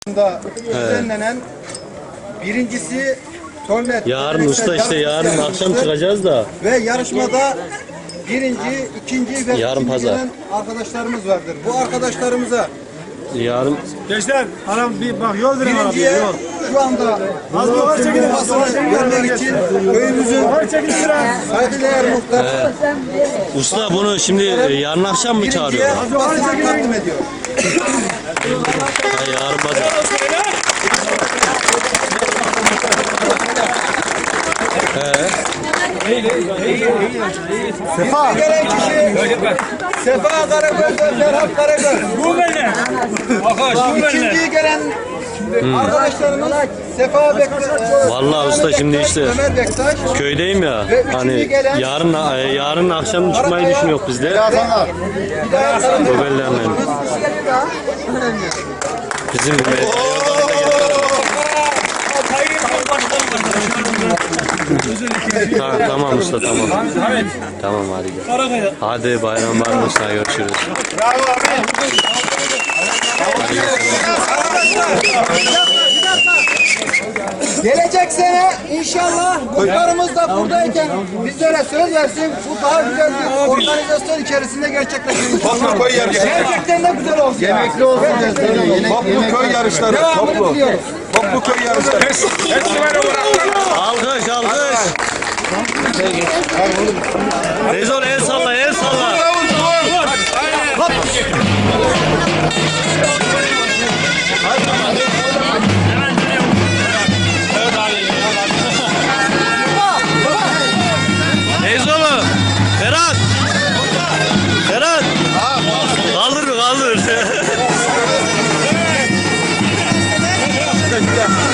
düzenlenen birincisi Tornet. Yarın usta işte yarın akşam çıkacağız da. Ve yarışmada birinci, ikinci ve Yarın üçüncü pazar. gelen arkadaşlarımız vardır. Bu arkadaşlarımıza Yarın Gençler, aram bir bak yol verin arabaya birinciye yol. şu anda Az bir var çekin. kupasını vermek için köyümüzün Var çekin şuraya. saygıdeğer muhtarı usta bunu şimdi yarın akşam mı birinciye çağırıyor? kupasını takdim ediyor. Ha, yarın pazar. Sefa. Gelen kişi Sefa Karagöz ve Ferhat Karagöz. Bu benimle. Akaş bu benimle. İkinciyi gelen arkadaşlarımız Sefa Bektaş. Vallahi usta şimdi işte Ömer Bektaş. köydeyim ya. Ve üçüncü Hani gelen- yarın akşam çıkmayı düşünüyor biz de. Göbellerle. Bizim tamam usta tamam. Tamam hadi gel. Hadi bayram var mı usta, görüşürüz. Gelecek sene inşallah muhtarımız da buradayken bizlere söz versin. Bu daha güzel bir organizasyon içerisinde gerçekleşecek. Toplu köy yarışları. Gerçekten de güzel olsun. Yemekli olsun. Toplu köy yarışları. Devamını biliyoruz. Toplu köy yarışları. Alkış alkış. Rezon el salla el salla. Rezon'u. Ferhat. Ferhat. Kaldır mı kaldır.